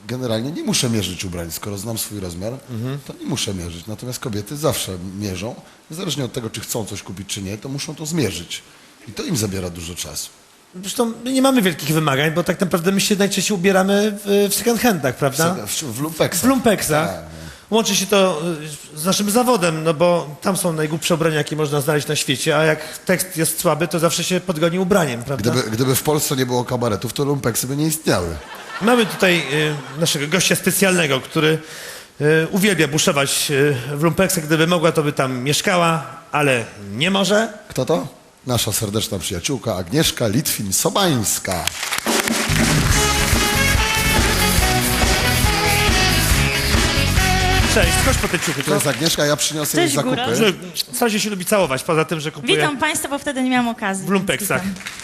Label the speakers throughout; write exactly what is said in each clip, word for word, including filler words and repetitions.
Speaker 1: generalnie nie muszę mierzyć ubrań. Skoro znam swój rozmiar, mhm. to nie muszę mierzyć. Natomiast kobiety zawsze mierzą. Niezależnie od tego, czy chcą coś kupić, czy nie, to muszą to zmierzyć. I to im zabiera dużo czasu.
Speaker 2: Zresztą my nie mamy wielkich wymagań, bo tak naprawdę my się najczęściej ubieramy w, w second handach, prawda?
Speaker 1: W, w, w lumpeksach.
Speaker 2: W lumpeksach.
Speaker 1: Tak.
Speaker 2: Łączy się to z naszym zawodem, no bo tam są najgłupsze ubrania, jakie można znaleźć na świecie, a jak tekst jest słaby, to zawsze się podgoni ubraniem, prawda?
Speaker 1: Gdyby, gdyby w Polsce nie było kabaretów, to lumpeksy by nie istniały.
Speaker 2: Mamy tutaj y, naszego gościa specjalnego, który y, uwielbia buszować y, w lumpeksach. Gdyby mogła, to by tam mieszkała, ale nie może.
Speaker 1: Kto to? Nasza serdeczna przyjaciółka Agnieszka Litwin-Sobańska.
Speaker 2: Cześć, chodź po te ciuchy.
Speaker 1: To jest Agnieszka, ja przyniosę
Speaker 3: Cześć,
Speaker 1: jej zakupy.
Speaker 3: góra.
Speaker 2: Że Stasia się lubi całować, poza tym, że kupuje
Speaker 3: Witam Państwa, bo wtedy nie miałam okazji.
Speaker 2: w lumpeksach.
Speaker 3: więc witam.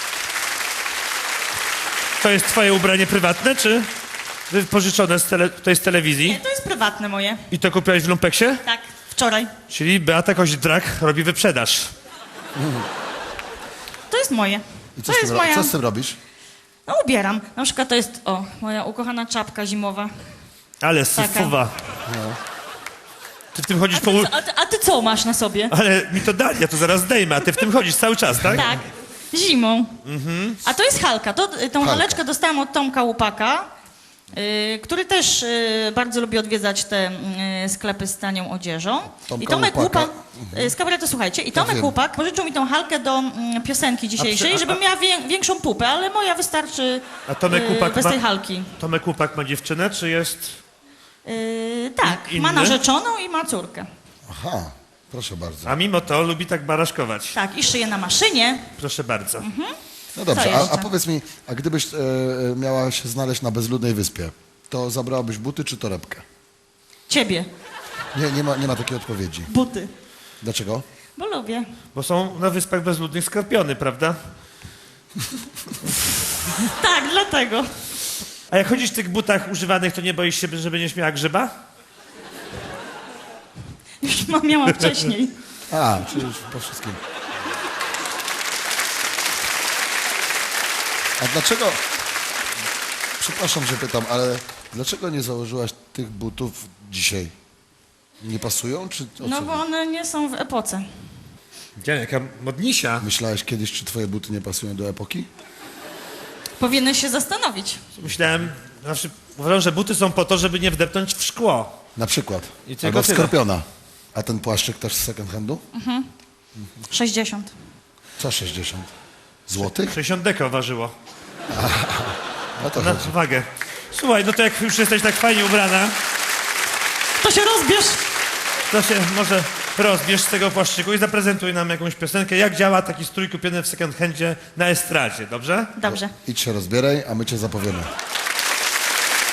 Speaker 2: To jest twoje ubranie prywatne, czy pożyczone z, tele, to jest z telewizji?
Speaker 3: Nie, to jest prywatne moje.
Speaker 2: I to kupiłaś w lumpeksie?
Speaker 3: Tak, wczoraj.
Speaker 2: Czyli Beata Koźdrak robi wyprzedaż.
Speaker 3: To jest moje.
Speaker 1: I co
Speaker 3: To
Speaker 1: z,
Speaker 3: jest
Speaker 1: tym, ro-
Speaker 3: moja...
Speaker 1: co z tym robisz?
Speaker 3: No ubieram. Na przykład to jest, o, moja ukochana czapka zimowa.
Speaker 2: Ale
Speaker 3: Taka.
Speaker 2: syfuwa. Ty w tym chodzisz
Speaker 3: A
Speaker 2: po...
Speaker 3: ty,
Speaker 2: u-
Speaker 3: co, a, ty, a ty co masz na sobie?
Speaker 2: Ale mi to dali, ja to zaraz zdejmę, a ty w tym chodzisz cały czas, tak?
Speaker 3: Tak, zimą. A to jest halka. To, tą
Speaker 1: Halka.
Speaker 3: haleczkę dostałam od Tomka Łupaka, y, który też y, bardzo lubi odwiedzać te y, sklepy z tanią odzieżą.
Speaker 1: Tomka
Speaker 3: I Tomek
Speaker 1: Łupaka.
Speaker 3: Łupak, y, z kabaretu, słuchajcie, i Tomek
Speaker 1: wiem.
Speaker 3: Łupak pożyczył mi tą halkę do mm, piosenki dzisiejszej,
Speaker 2: a- a-
Speaker 3: żebym miała wię, większą pupę, ale moja wystarczy
Speaker 2: A Tomek
Speaker 3: y,
Speaker 2: Łupak
Speaker 3: bez
Speaker 2: ma-
Speaker 3: tej halki.
Speaker 2: Tomek Łupak ma dziewczynę, czy jest...
Speaker 3: Y, tak,
Speaker 2: In-
Speaker 3: ma
Speaker 2: inny?
Speaker 3: narzeczoną i ma córkę.
Speaker 1: Aha, proszę bardzo.
Speaker 2: A mimo to lubi tak baraszkować.
Speaker 3: Tak, i szyje na maszynie.
Speaker 2: Proszę bardzo.
Speaker 1: No dobrze,
Speaker 3: Co
Speaker 1: a,
Speaker 3: jeszcze?
Speaker 1: a powiedz mi, a gdybyś e, e, miała się znaleźć na bezludnej wyspie, to zabrałabyś buty czy torebkę?
Speaker 3: Ciebie,
Speaker 1: Nie, nie ma, nie ma takiej odpowiedzi.
Speaker 3: buty,
Speaker 1: Dlaczego?
Speaker 3: bo lubię.
Speaker 2: Bo są na Wyspach Bezludnych skorpiony, prawda?
Speaker 3: Tak, dlatego.
Speaker 2: A jak chodzisz w tych butach używanych, to nie boisz się, że będziesz miała grzyba?
Speaker 3: Już ma- miałam wcześniej.
Speaker 1: A, czyli już po wszystkim. A dlaczego, przepraszam, że pytam, ale dlaczego nie założyłaś tych butów dzisiaj? Nie pasują, czy o
Speaker 3: No
Speaker 1: co?
Speaker 3: bo one nie są w epoce.
Speaker 2: Gdzie, jaka modnisia.
Speaker 1: Myślałeś kiedyś, czy twoje buty nie pasują do epoki?
Speaker 3: Powinieneś się zastanowić.
Speaker 2: Myślałem, zawsze uważam, że buty są po to, żeby nie wdepnąć w szkło.
Speaker 1: Na przykład.
Speaker 2: I tylko
Speaker 1: Albo w
Speaker 2: tyle.
Speaker 1: skorpiona. A ten płaszczyk też z second handu?
Speaker 3: sześćdziesiąt.
Speaker 1: Co sześćdziesiąt? Złotych?
Speaker 2: sześćdziesiąt deko ważyło.
Speaker 1: O to
Speaker 2: Na
Speaker 1: chodzi.
Speaker 2: wagę. Słuchaj, no to jak już jesteś tak fajnie ubrana,
Speaker 3: To się rozbierz.
Speaker 2: to się może rozbierz z tego płaszczyku i zaprezentuj nam jakąś piosenkę, jak działa taki strój kupiony w second handzie na estradzie, dobrze?
Speaker 3: Dobrze.
Speaker 1: Idź się rozbieraj, a my cię zapowiemy.